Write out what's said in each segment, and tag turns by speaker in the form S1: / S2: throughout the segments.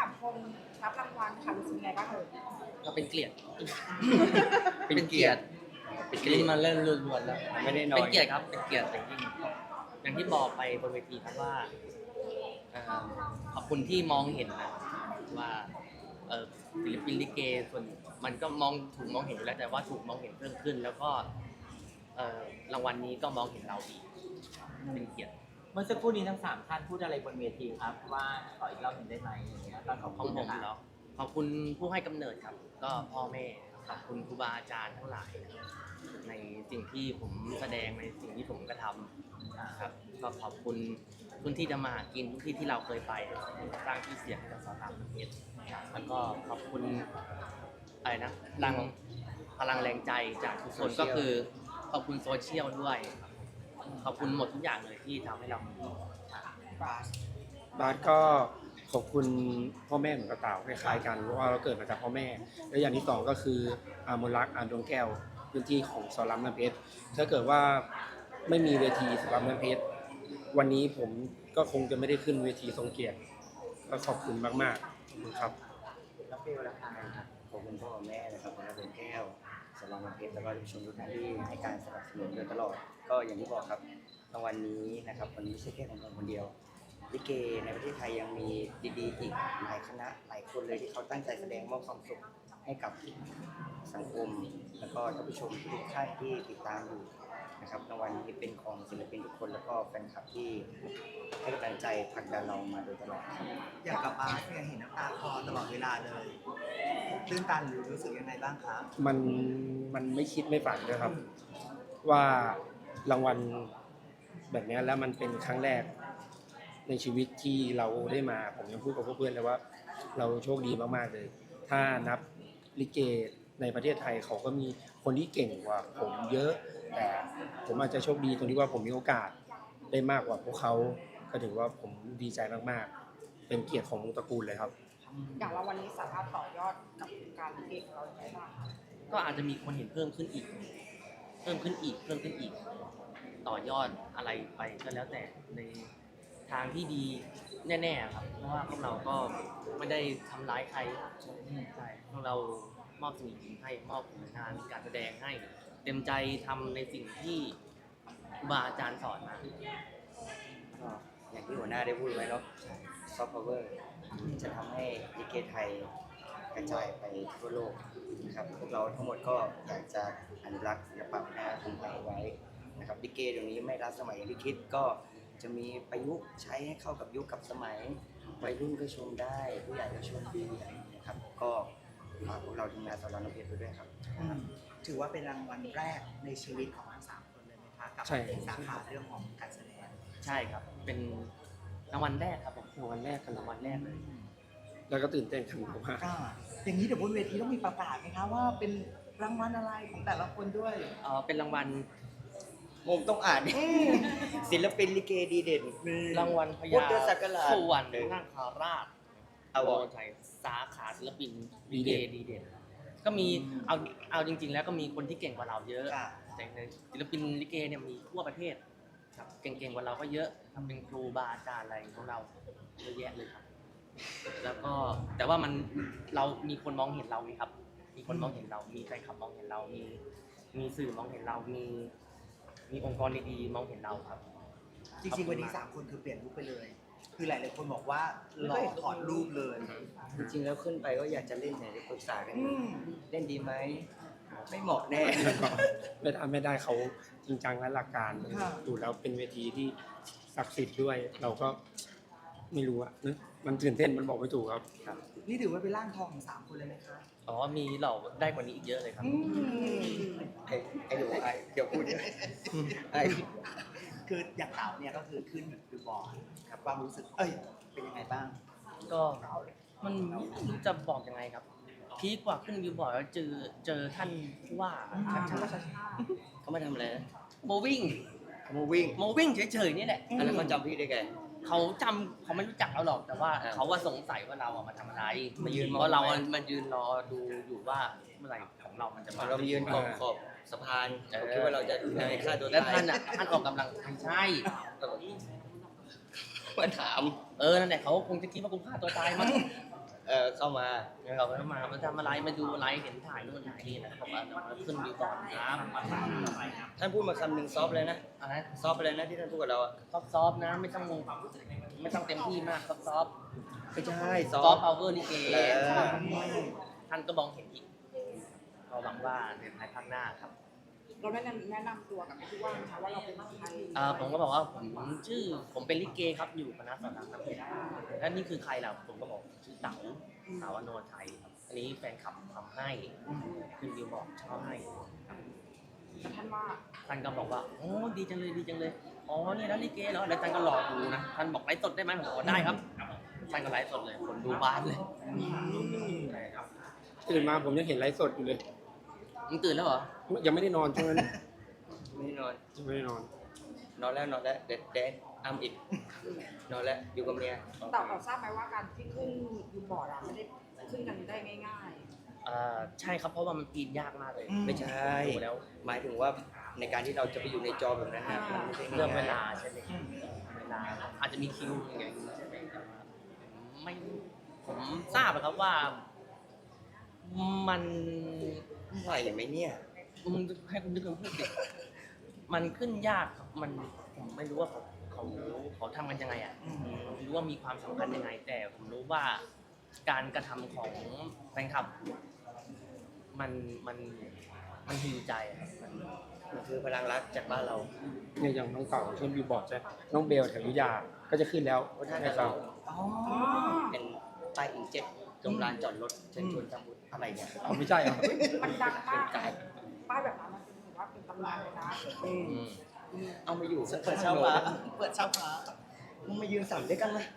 S1: คนรับรางวัลค่ะรู้สึกไงบ้างเอ่ย
S2: ก็เป็นเกียรติ
S3: เป็นเกียรติ
S2: เป็นเกียรตินี่มาเล่นล้วนๆแล้ว
S3: ไม่ได้น้อย
S2: เป็นเกียรติครับเป็นเกียรติอย่างยิ่งอย่างที่บอกไปบนเวทีครับว่าขอบคุณที่มองเห็นนะว่าศิลปินลิเกส่วนมันก็ถูกมองเห็นอยู่แล้วแต่ว่าถูกมองเห็นเพิ่มขึ้น แล้วก็รางวัลนี้ก็มองเห็นเราอีกเป็นเกียรติ
S4: เมื่อสักครู่นี้ทั้ง3ท่านพูดอะไรบนเวทีครับว่าขออีกรอบหนึ่งได้ไหมอย่างเงี้ยก็ขอบ
S2: ขอ
S4: คุ
S2: ง
S4: ณ
S2: ผม
S4: นะครับ
S2: แล้วขอบคุณผู้ให้กำเนิดครับ ก็พ่อแม่ขอบคุณครูบาอาจารย์ทั้งหลายนะครับในสิ่งที่ผมแสดงในสิ่งที่ผมกระทำนะครับก็ขอบคุณพื้นที่จะมาหากินทุกที่ที่เราเคยไปสร้างชื่อเสียงให้กับสาวต่างประเทศแล้วก็ขอบคุณอะไรนะพลังแรงใจจากทุกคนก็คือขอบคุณโซเชียลด้วยขอบคุณหมดทุกอย่างเลยที่ทำให้เรามี
S5: บาสก็ขอบคุณพ่อแม่ของกระต่ายคล้ายๆกันเพราะว่าเราเกิดมาจากพ่อแม่และอย่างที่สองก็คือมนรักดวงแก้วพื้นที่ของสอนรามน้ำเพชรถ้าเกิดว่าไม่มีเวทีสอนรามน้ำเพชรวันนี้ผมก็คงจะไม่ได้ขึ้นเวทีทรงเกียรติก็ขอบคุณมากๆขอบคุณครับ
S4: แล้วฟิลล่ะครับ
S3: ขอบคุณพ่อแม่นะครับคุณอาดวงแก้วสลองมาเพชรแล้วก็ผู้ชมทุกท่านที่ให้การสนับสนุนโดยตลอด ก็อย่างที่บอกครับรางวัลนี้นะครับวันนี้ไม่ใช่แค่ของผมคนเดียวลิเกในประเทศไทยยังมีดีๆอีกหลายคณะหลายคนเลยที่เขาตั้งใจแสดงมอบความสุขให้กับสังคม แล้วก็ท่านผู้ชมทุกท่านที่ติดตามอยู่นะครับรางวัลนี้เป็นของศิลปินทุกคนแล้วก็แฟนคลับที่ให้กำลังใจผลักดันเรามาโดยตลอดครับ
S6: อยากกลับมาเนี่ยเห็นน้ำตาคลอตลอดเวลาเลยตื้นตันหรือรู้สึกยังไงบ้างคะ
S5: มันไม่คิดไม่ฝันด้วยครับ ว่ารางวัลแบบนี้แล้วมันเป็นครั้งแรกในชีวิตที่เราได้มาผมยังพูดกับเพื่อนๆเลยว่าเราโชคดีมากๆเลย ถ้านับลิเกในประเทศไทยเขาก็มีคนที่เก่งกว่าผมเยอะ แต่ผมอาจจะโชคดีตรงที่ว่าผมมีโอกาสได้มากกว่าพวกเขาก็ถือว่าผมดีใจมากๆเป็นเกียรติของวงตระกูลเลยครับ
S1: อย่างรางวัลนี้สามารถต่อยอดกับการลิเกของเราได้บ้างคะ
S2: ก็อาจจะมีคนเห็นเพิ่มขึ้นอีก ต่อยอดอะไรไปก็แล้วแต่ในทางที่ดีแน่ๆครับ เพราะว่าพวกเราก็ไม่ได้ทำร้ายใครใช่พวกเรามอบสิ่งดีๆให้มอบผลงานการแสดงให้ เต็มใจทำในสิ่งที่ครูบาอาจารย์สอนมา
S3: ก็อย่างที่หัวหน้าได้พูดไว้เนาะซอฟต์พาวเวอร์จะทำให้ลิเกไทยกระจายไปทั่วโลกนะครับพวกเราทั้งหมดก็อยากจะอนุรักษ์ศิลปะวัฒนธรรมไทยไว้นะครับลิเกเดี๋ยวนี้ไม่ล้าสมัยอย่างที่คิดก็จะมีประยุกต์ใช้ให้เข้ากับยุคกับสมัยวัยรุ่นก็ชมได้ผู้ใหญ่ก็ชมดีอะไรอย่างเงี้ยครับก็ฝากพวกเราทีมงานสอนรามน้ำเพชรไปด้วยครับ
S6: ถือว่าเป็นรางวัลแรกในชีวิตของทั้ง3คนเลยไหมคะกับ
S5: ใช่
S6: สาขาเรื่องของการแสดง
S2: ใช่ครับ เป็นรางวัลแรกครับผมรางวัลแรกเลย
S5: แล้วก็ตื่นเต้นกันมาก
S6: อ่าอย่างนี้เดี๋ยวบนเวทีต้องมีประกาศไหมคะว่าเป็นรางวัลอะไรของแต่ละคนด้วย
S2: เป็นรางวัล
S3: ผมต้องอ่านศิลปินลิเกดีเด่น
S2: รางวัลพ
S3: พุ
S2: ญา
S3: ทธศักราช
S2: สุวรรณนาคราช
S3: เอาวะ
S2: ชัยสาขาศิลปินลิเกดีเด่นก็มีเอาจริง ๆ แล้วก็มีคนที่เก่งกว่าเราเยอะ
S6: ค่ะ
S2: แต่ในศิลปินลิเกเนี่ยมีทั่วประเทศครับเก่งๆกว่าเราก็เยอะครับเป็นครูบาอาจารย์อะไรของเราเยอะแยะเลยครับ แล้วก็แต่ว่าเรามีคนมองเห็นเราไหมครับ มีคนมองเห็นเรา มีแฟนคลับมองเห็นเรา มีสื่อมองเห็นเรา มีองค์กรดีๆมองเห็นเราครับ
S6: จริงๆวันนี้3คนคือเปลี่ยนลุคไปเลย คือหลายๆคนบอกว่าหล่อถอดรูปเลย
S3: จริงๆแล้วขึ้นไปก็อยากจะเล่นเนี่ยปรึกษากัน
S6: อืม
S3: เล่นดีไหมไม่เหมาะแน่
S5: ๆไม่ได้เขาจริงจังและหลักการดูแล้วเป็นเวทีที่ศักดิ์สิทธิ์ด้วย เราก็ไม่รู้อะนะมันตื่นเต้นมันบอกไม่ถูกครับ
S6: นี่ถือว่าเป็นร่างทองของ3คนเลยไหมคะ
S2: อ๋อ มีเราได้กว่านี้อีกเยอะเลยครับ
S3: ไอ้หนูไอ้เดี๋ยวพูดเดี๋ยวไอ้
S6: คืออย่างเต่าเนี่ยก็คือขึ้นบิลบอร์ดครับความรู้สึกเป็นยังไงบ้าง
S2: ก็มันไม่รู้จะบอกยังไงครับ พีคกว่าขึ้นวิวบอร์ดแล้วเจอท่านผู้ว่า
S3: เขามาทำอะไรนะ
S2: โมวิ่ง
S3: มูวิ่ง
S2: โมวิ่งเฉยๆนี่แหละ
S3: แล้วเขาจำพี่ได้ไง
S2: เขาไม่รู้จักเราหรอก แต่ว่า
S3: อ่า
S2: เขาว่าสงสัยว่าเราอะมาทำอะไร
S3: มายืนมอง
S2: เพราะเราอะมายืนรอดูอยู่ว่าเมื่อไหร่ของเรามันจะมา
S3: เราไปยืนขอบสะพานผมคิดว่าเราจะในฆ่าตัว
S2: แล้ว
S3: ตาย
S2: ท่านออกกำลังไม่ใช่
S3: มาถาม
S2: นั่นแหละเขาคงจะคิดว่ากูฆ่าตัวตายมั้ง
S3: เข้ามา
S2: เขาก็มาทำอะไรมาดูอะไรเห็นถ่ายนู่นถ่ายนี่นะบอกว่าเดี๋ยวมาขึ้นวิวก่อนครับ
S3: ท่านพูดมาคำหนึ่งซอฟเลยนะ
S2: อะไร
S3: ซอฟอะไรนะที่ท่านพูดกับเราอะ
S2: ซอฟนะไม่ต้องเต็มที่มากซอฟ
S3: ไม่ใช่ซ
S2: ซ
S3: อ
S2: อ
S3: ฟ
S2: ฟพาวเวอร์ลิเก
S3: เออ
S2: ท่านก็มองเห็นอีกเราหวังว่าในภายภาคหน้าครับ
S1: เราแนะนำตัวกับผู้ว่านะคะว่าเราเป็นใคร
S2: ผมก็บอกว่าผมเป็นลิเกครับอยู่คณะสอนรามน้ำเพชรแล้วนี่คือใครล่ะผมก็บอกชื่อเต๋าอโนไทยครับอันนี้แฟนคลับทำให้คือดิวบอกชอบให้ครับ
S1: แต่ท่านว่า
S2: ท่านก็บอกว่าโอ้ดีจังเลยอ๋อนี่แล้วลิเกเหรอแล้วท่านก็รอดูนะท่านบอกไลฟ์สดได้ไหมผมบอกได้ครับท่านก็ไลฟ์สดเลยคนดูบ้านเลยใช่ครับ
S5: ตื่นมาผมยังเห็นไลฟ์สดอยู่เลย
S2: มึงตื่นแล้วเหรอ
S5: ยังไม่ได้นอนช่วงนั้น
S3: ไม่ได้นอน
S5: ยังไม่ได้นอน
S3: นอนแล้วเด็ดอ้ำอิดนอนแล้วอยู่กับเมีย
S1: แต่เราทราบไหมว่าการที่ขึ้นยูบอร์ดอะไม่ได้ขึ้นกันได้ง่าย
S2: ใช่ครับเพราะว่ามันปีนยากมากเลย
S3: ไม่ใช่
S2: ดูแล้ว
S3: หมายถึงว่าในการที่เราจะไปอยู่ในจอแบบนั้นนะมันไม่ใช่ง่ยๆ
S2: เรื่องเวลาใช่ไหมเวลาอาจจะมีคิวอย่างเงี้ยใช่ไหมแต่ว่าไม่ผมทราบอะครับว่ามัน
S3: ไหวไหมเนี่ย
S2: มึงให้คุณนึกถึงพูดดิมันขึ้นยากครับมันผมไม่รู้ว่าเขาทำกันยังไงอ่ะไม่รู้ว่ามีความสำคัญยังไง แต่ผมรู้ว่าการกระทำของแฟนคลับ มันฮิวใจอะครับ
S3: มันคือพลังรักจากบ้านเรา
S5: เนี่ยอย่างน้องเต่าขึ้นบิวบอร์ดใช่น้องเบลแถวยุธยาก็จะขึ้นแล้ว
S3: เพราะท่าน
S5: ให้
S3: เรา
S5: เรา
S3: เป็นป้ายอินเจ็ตตรงลานจอดรถเชิญชวนทำบุญอะไรเนี่ย
S5: เอาไม่ใช่เหรอ
S1: ๆ มันดังมากป้ายแบบนั้นมันถือว่าเป็นตำนานเลยนะ
S3: เอามาอยู่
S6: เปิดเช้าฟ้าเปิดเช้าฟ้า
S3: มึงมายืนสั่นด้วยกันไหม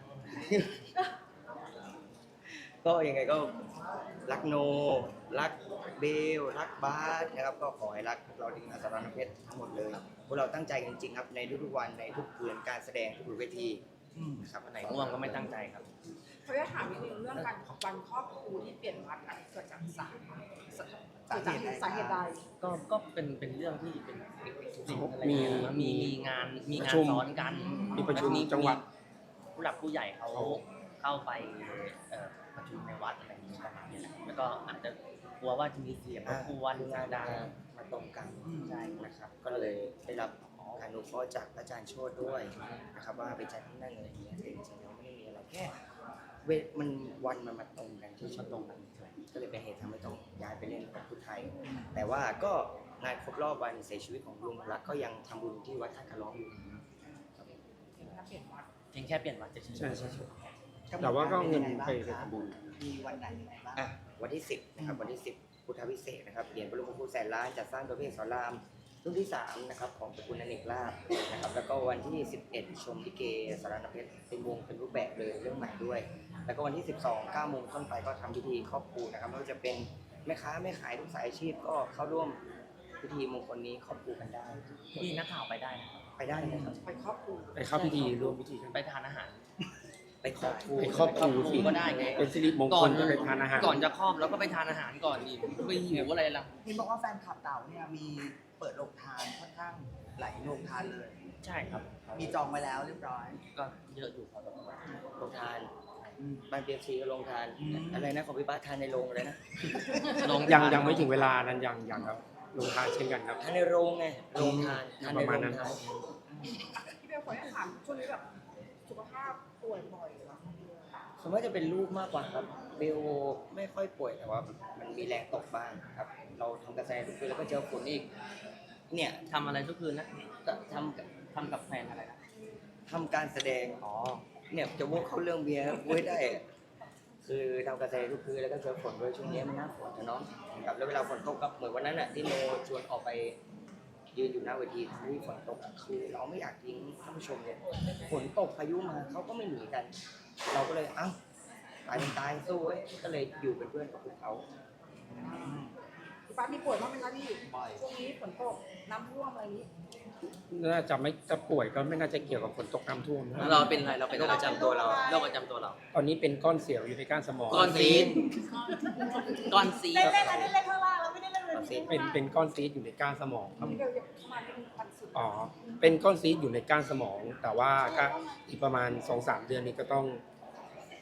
S3: ก็ยังไงก็รักโน รักเบล รักบาสนะครับ ก็ขอให้รักพวกเราทีมงานสารนเพชรทั้งหมดเลยพวกเราตั้งใจกันจริงๆครับในทุกๆวันในทุกคืนการแสดงทุกๆเวทีนะครับ
S2: อันไหนง่วงก็ไม่ตั้งใจครับ
S1: เขาจะถามนิดนึงเรื่องการวันครอบครูที่เปลี่ยนวัดอะเกิดจากสาเหตุใด
S2: ก็เป็นเรื่องที่เป็นสิ่งอะไร
S5: มี
S2: มีงาน
S5: ประชุม
S2: ซ้อนกัน
S5: มีประชุม
S2: แล้ว
S5: จังหวัด
S2: ผู้หลักผู้ใหญ่เขาเข้าไปประชุมในวัดอะไรอย่างนี้ประมาณนี้แหละแล้วก็อาจจะกลัวว่าจะมีเสียงรบกวน
S3: งา
S2: เสีย
S3: น
S2: งดัง
S3: มาตรงกัน
S2: ใช่
S3: นะครับ ก็เลยได้รับการอนุเคราะห์จากอาจารย์โชติด้วยนะครับว่าไปจัดที่นั่นอะไรอย่างเงี้ยแต่จริงๆแล้วไม่ได้มีอะไรแค่มันวันมันมาตรงกันที่ชอบตรงกันก็เลยเป็นเหตุทำให้ต้องย้ายไปเล่นกับพุทธไทย แต่ว่าก็งานครบรอบวันเสียชีวิตของลุงรักก็ยังทำบุญที่วัดท่าคาร้องอยู่
S1: ถ้าเปลี่ยนวัด
S2: เพียงแค่เปลี่ยนวัดจะเฉย
S5: ใช่ใช่ แต่ว่าก็เอาเงินไปทำบุญ
S6: มีวันไหนยังไงบ้าง
S3: อ่ะวันที่ 10นะครับวันที่ 10 พุทธวิเศษนะครับเหรียญพระบรมครูแสนล้านจัดสร้างโดยพระเอกสอนรามรุ่นที่3นะครับของตระกูลอเนกลาภนะครับแล้วก็วันที่ 11 ชมลิเกสารนเพชรเป็นวงเป็นรูปแบบเลยเรื่องใหม่ด้วย แล้วก็วันที่ 12 9 โมงต้นไปก็ทำพิธีครอบครูนะครับไม่ว่าจะเป็นแม่ค้าแม่ขายทุกสายอาชีพก็เข้าร่วมพิธีมงคลนี้ครอบครูกันได้
S2: พี่นักข่าวไปได้นะครับ
S3: ไปได้เลยครับ
S1: ไปครอบครู
S5: ไปเข้าพิธีร่วมพิธีกัน
S2: ไปทานอาหาร
S3: ไปครอบครู
S5: ไปครอบครูสิ
S2: ก็ได้ไง
S5: เป็นสิริมงคลก็ไปทานอาหาร
S2: ก่อนจะครอบแล้วก็ไปทานอาหารก่อนดิไปหิวอะไรล่ะ
S6: เห็นบอกว่าแฟนคลับเต่าเนี่ยมีเปิดโรงทานค่อนข้างหลายโรงทานเลย
S2: ใช่ครับ
S6: มีจองไว้แล้วเรียบร้อย
S2: ก็เยอะอยู่ครับ
S3: โรงทานบ้านเปียกซีก็โรงทานอะไรนะของพี่บ้าสทานในโรงเลยนะ
S5: ยังไม่ถึงเวลานั้นยังครับลงทานเช่นกันครับ
S3: ทานในโรงไงโรงทานทานใน
S5: ประ
S3: โร
S5: มาณ
S3: ง
S5: นั้น
S3: ทาน
S1: พี่เบลขอถามช่วงนี้แบบสุขภาพป่วยบ่อยเหรอ
S3: ส่วนมากจะเป็นลูกมากกว่าครับเบลไม่ค่อยป่วยแต่ว่ามันมีแรงตกบ้างครับ เราทำกระแสทุกคืนแล้วก็เจอฝนอีกเนี่ย
S2: ทำอะไรทุกคืนนะ
S3: ก็ท
S2: ทำกับแฟนอะไรนะ
S3: ำทำการแสดงเนี่ยจะวกเข้าเรื่องเบียร์ไว้ได้อะคือทำกระแสทุกคืนแล้วก็เจอฝนด้วยช่วงนี้มันหน้าฝนนะเนาะครับแล้วเวลาฝนตกกับเหมือนวันนั้นอ่ะที่โนชวนออกไปยืนอยู่หน้าเวทีที่ฝนตกอะคือเราไม่อยากทิ้งท่านผู้ชมเนี่ยฝนตกพายุมาเขาก็ไม่หนีกัน เราก็เลยเอ้าตายเป็นตายสู้เว้ยก็เลยอยู่เป็นเพื่อนกับพวกเขา
S1: พี่ป้ามีป่วยบ้างไหมคะพี่
S6: บ่อย
S1: ช่วงนี้ฝนตกน้ำท่วมอะไรนี้
S5: น่าจะไม่จะป่วยก็ไม่น่าจะเกี่ยวกับฝนตกน้ำท่วมนะ
S2: แล้วเราเป็นอะไรเราเป็น
S3: โร
S2: อะ
S3: ค
S2: ไร
S3: ประจำตัวเรา
S2: โรคประจำตัวเรา
S5: ตอนนี้เป็นก้อนเสียวอยู่ในก้านสมอง
S2: ก้อนซีดก้อนซีด
S1: เล่นข้างล่างแล้วไม่ได้เล่นเลย
S5: เป็นก้อนซีดอยู่ในก้านสมองครับ
S1: พี่เบลเข้ามาที่วันศุกร์
S5: อ๋อเป็นก้อนซีดอยู่ในก้านสมอง แต่ว่าก็อีกประมาณ 2-3 เดือนนี้ก็ต้อง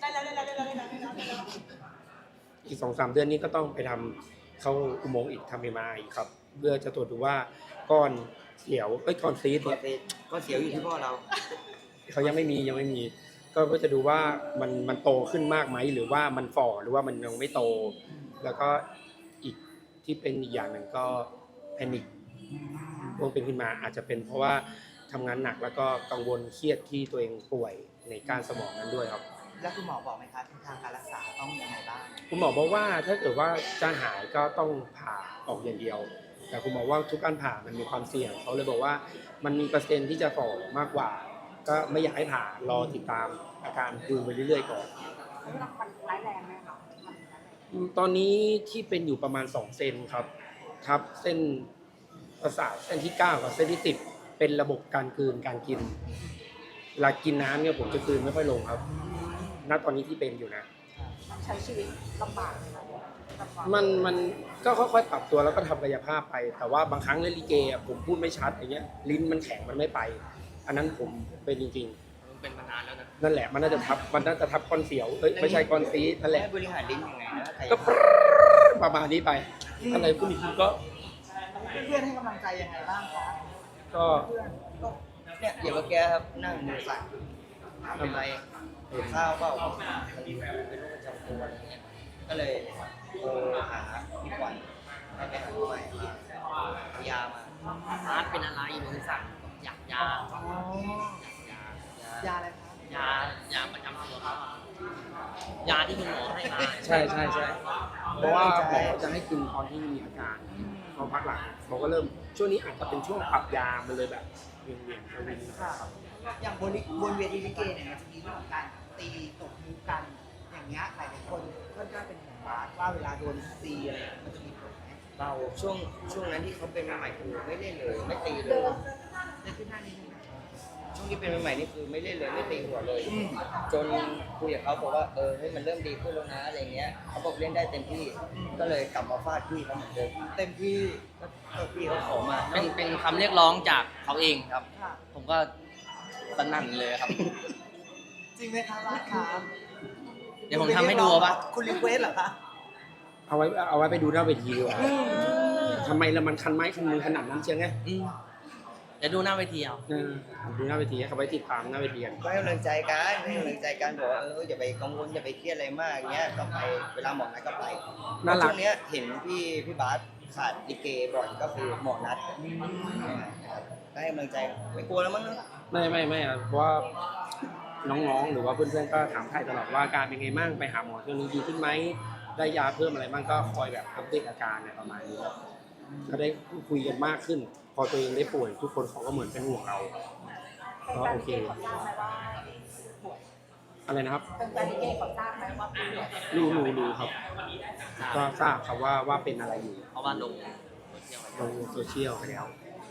S5: อีก2-3 เดือนนี้ก็ต้องไปทำเข้าอุโมงค์อีกทำ MRI อีกครับเพื่อจะตรวจดูว่าก้อนเสียวก้อนซีส
S3: ก็
S5: เนี่ย
S3: ก็เสียวอยู่ที่พ่อเรา
S5: เขายังไม่มีก็จะดูว่ามันโตขึ้นมากไหมหรือว่ามันฝ่อหรือว่ามันยังไม่โต แล้วก็อีกที่เป็นอีกอย่างหนึ่งก็แพนิคพวกเป็นขึ้นมาอาจจะเป็นเพราะว่าทำงานหนักแล้วก็กังวลเครียดที่ตัวเองป่วยในก้านสมองนั้นด้วยครับ
S6: แล้วคุณหมอบอกไหมคะทางการรักษาต้องยังไงบ้าง
S5: คุณหมอบอกว่าถ้าเกิดว่าจะหายก็ต้องผ่าออกอย่างเดียว แต่คุณหมอว่าทุกการผ่ามันมีความเสี่ยงเขาเลยบอกว่ามันมีเปอร์เซ็นต์ที่จะฝ่อมากกว่า ก็ไม่อยากให้ผ่ารอติดตามอาการดูไปเรื่อยๆก่อน
S1: แล้วมันร้ายแรงไหมคะ
S5: ตอนนี้ที่เป็นอยู่ประมาณ2 เซนครับทับเส้นประสาทเส้นที่9กับเส้นที่10เป็นระบบการกลืนการกินเวลากินน้ำเนี่ยผมจะกลืนไม่ค่อยลงครับณตอนนี้ที่เป็นอยู่นะ
S1: มันใช้ชีวิตลำบากเลยนะกับความ
S5: มันก็ค่อยๆปรับตัวแล้วก็ทำกายภาพไป แต่ว่าบางครั้งเล่นลิเกอะผมพูดไม่ชัดอย่างเงี้ยลิ้นมันแข็งมันไม่ไป อันนั้นผมเป็นจริง
S2: เป็นมานานแล้วนะ
S5: ๆนั่นแหละมันน่าจะทับก้อนเสียวไม่ใช่ก้อนซีสนั่นแหละ
S3: ให้บริหารลิ้นยังไงนะ
S5: ก็ประมาณนี้ไปอะไรพวกนี้ก็
S6: เพื่อนๆให้กำลังใจยังไงบ้างคะ
S5: ก็
S6: เพื่อนก็
S3: เนี่ยอย่างเมื่อกี้ครับนั่งมือสั่นเป็นไรหิวข้าวเปล่ามันเป็นโรคประจำตัวอะไรเงี้ยก็เลยโทรหาพี่ขวัญให้ไปหาผู้ใหม่มาเอายามา
S2: อาร์ตเป็นอะไรมือสั่นอยากยา
S6: อ๋อยาอะไรคะ
S2: ยาประจำตัวเขาอะยาที่คุณหมอให้มา
S5: ใช่เพราะว่าหมอจะให้กินตอนที่มีอาการพอพักหลังเขาก็เริ่มช่วงนี้อาจจะเป็นช่วงปรับยามันเลยแบบเวียนๆวิน
S6: ค่ะอย่างบนเวทีลิเกเนี่ยมันจะมีเรื่องของการตีตบมุกกัน อย่างเงี้ยหลายๆคนก็จะเป็นห่วงบาสว่าเวลาโดนตีอะไรมันจะมีผลไหม
S3: เราช่วงนั้นที่เขาเป็นใหม่ๆคือไม่เล่นเลยไม่ตีเลย
S6: จะขึ้นหน้านี้นึงนะ
S3: ช่วงที่เป็นใหม่ๆนี่คือไม่เล่นเลยไม่ตีหัวเลย จนคุยกับเขาบอกว่าเฮ้ยมันเริ่มดีขึ้นแล้วนะอะไรเงี้ยเขาบอกเล่นได้เต็มที่ก็เลยกลับมาฟาดพี่เขาเหมือนเดิม
S6: เต็มที่
S3: ก็พี่เขาขอมา
S2: เป็นคำเรียกร้องจากเขาเองครับ
S6: ค่ะ
S2: ผมก็สนั่นเลยครับ
S6: จริงไหมคะบาสคะ
S2: เดี๋ยวผมทำให้ดูเอาปะ
S6: คุณรีเควสเหรอคะ
S5: เอาไว้ไปดูหน้าเวทีดีกว่าทำไมละมันคันไม้คันมือขนาดนั้นเชียวไง
S2: เดี๋ยวดูหน้าเวทีเอา
S5: ดูหน้าเวทีให้เขาไว้ติดตามหน้าเวทีกัน
S3: ก็ให้กำลังใจกันบอกว่าอย่าไปกังวลอย่าไปเครียดอะไรมากเงี้ยกลับไปเวลาหมอนัดก็ไป
S5: น่ารัก
S3: ช่วงเนี้ยเห็นพี่บาสขาดลิเกบ่อยก็คือหมอนัดนะครับก็ให้กำลังใจไม่กลัวแล้วมั้งเนอะ
S5: ไม่อะเพราะว่าน้องๆหรือว่าเพื่อนๆก็ถามไถ่ตลอดว่าอาการเป็นไงบ้างไปหาหมอช่วงนี้ดีขึ้นไหมได้ยาเพิ่มอะไรบ้างก็คอยแบบอัปเดตอาการเนี่ยประมาณนี้ครับก็ได้คุยกันมากขึ้น พอตัวเองได้ป่วยทุกคนเขาก็เหมือนเป็นห่วงเราก็โอเค
S1: เป็นการลิเกขอทราบไหมว่าป่วย
S5: อะไรนะครับ
S1: เป็นการลิเกขอทราบไหมว่าป่วย
S5: รู้ครับ ก็ทราบครับว่าเป็นอะไรอยู่
S2: เพราะว่าลงโซเชียล
S5: ลงโซเชียลไปแล้ว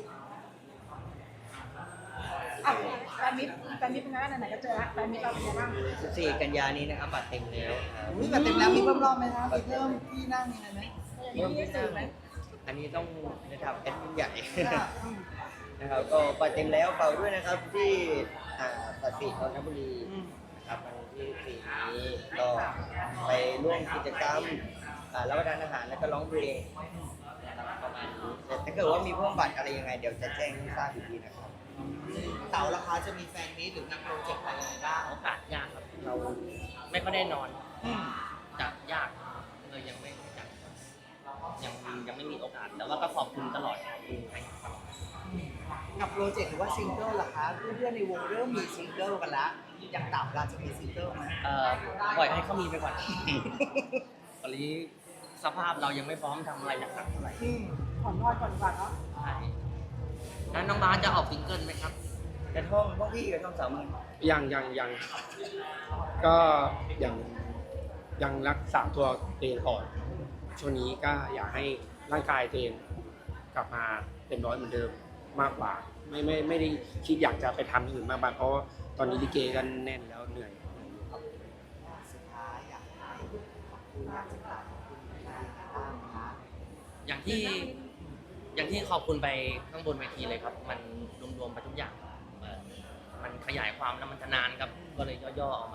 S1: อ่ะแฟนมิตรเป็นไงบ้างไหนๆก็เจอแล้วแฟนมิตรเราเป็นไงบ้าง
S3: 14 กันยานี้นะครับบัตรเต็มแล้วครับ
S6: อุ้ยแบบเต็มแล้วมีเพิ่มรอบไหมคะมีเพิ่มที่นั่งมีอะไรไหม
S1: มีสื่อไหม
S3: อันนี้ต้องนะครับแอดมินใหญ่ นะครับก็บัตรเต็มแล้วเป่าด้วยนะครับที่ตัดสินนนทบุรีนะครับวันที่4นี้ก็ไปร่วมกิจกรรมรับประทานอาหารแล้วก็ร้องเพลงนะครับประมาณนี้แต่ถ้าเกิดว่ามีเพิ่มบัตรอะไรยังไงเดี๋ยวจะแจ้งให้ทราบอีกทีนะครับ
S6: เต๋าราคาจะมีแฟนมีตหรือมีโปรเจกต์อะไรยังไงบ้าง
S2: โอกาสยากครับ เราไม่ค่อยได้นอนจะยากเลยยังไม่จัดยังไม่มีโอกาส แต่ว่าก็ขอบคุณตลอดขอบคุณให้ครับ
S6: กับโปรเจกต์หรือว่าซิงเกิลล่ะคะเพื่อนๆในวงเริ่มมีซิงเกิลกันละอย่างเต๋าเราจะมีซิงเกิลไหม
S2: ปล่อยให้เขามีไปก่อน ตอนนี้สภาพเรายังไม่พร้อมทำอะไรหนักๆเท่าไหร่
S1: ขอนอนก่อนดีกว่าเนาะ
S2: ใช่แล้วน้องบาสจะออกซิงเกิลไหมครับ
S3: กระท่อมพวกพี่กระท่อม30,000
S5: ยังก็ยังรักษาตัวเองก่อนช่วงนี้ก็อยากให้ร่างกายตัวเองกลับมาเต็มร้อยเหมือนเดิมมากกว่าไม่ได้คิดอยากจะไปทำอย่างอื่นมากเพราะตอนนี้ลิเกกันแน่นแล้วเหนื่อยครับ
S6: สุดท้ายอยากให้ขอบคุณมากที่มาขอบคุณมากนะคะ
S2: อย่างที่ขอบคุณไปข้างบนเวทีเลยครับ มันรวมๆไปทุกอย่างมันขยายความแล้วมันจะนานครับ ก็เลยย่อๆออกมา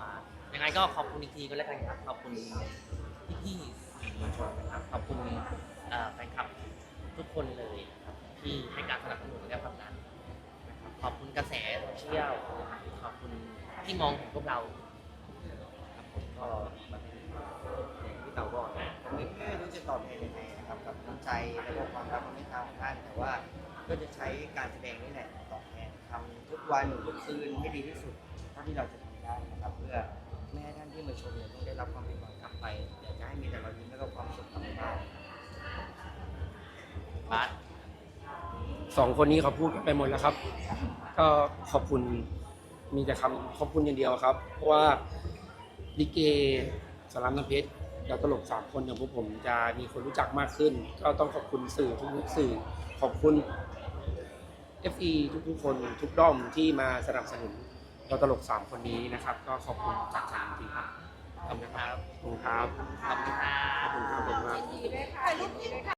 S2: ยังไงก็ขอบคุณอีกทีก็แล้วกันครับขอบคุณพี่ๆสื่อมวลชนนะครับขอบคุณแฟนคลับทุกคนเลยนะครับที่ให้การสนับสนุนและผลักดันนะครับขอบคุณกระแสโซเชียลขอบคุณที่มองเห็นพวกเราครับผมก็
S3: อย่างที่พี่เต๋าบอกนะผมไม่รู้จะตอบแทนยังไงนะครับกับน้ำใจและก็ความรักความเมตตาของท่านแต่ว่าก็จะใช้การแสดงนี่แหละตอบแทนทำทุกวันทุกคืนให้ดีที่สุดเท่าที่เราจะทำได้นะครับเพื่อไม่ให้ท่านที่มาชมเนี่ยต้องได้รับความผิดหวังกลับไปอยากจะให้มีแต่รอยยิ้มและก็ความสุขกลับไปบ้าน
S2: บาส
S5: สองคนนี้เขาพูดกันไปหมดแล้วครับ ก็ขอบคุณมีแต่คำขอบคุณอย่างเดียวครับ เพราะว่าลิเกสารามน้ำเพชรแล้วตลก3 คนอย่างพวกผมจะมีคนรู้จักมากขึ้น ก็ต้องขอบคุณสื่อทุกสื่อขอบคุณ FE ทุกๆคนทุกด้อมที่มาสนับสนุนเราตลก3 คนนี้นะครับ ก็ขอบคุณจากใจจริงๆครับขอบคุณครับขอบคุณครับ
S2: ขอบคุณครับ
S5: ขอบคุณครับขอบคุณครับ
S1: ยินดีด้วยค่ะยินดีด้วยค่ะ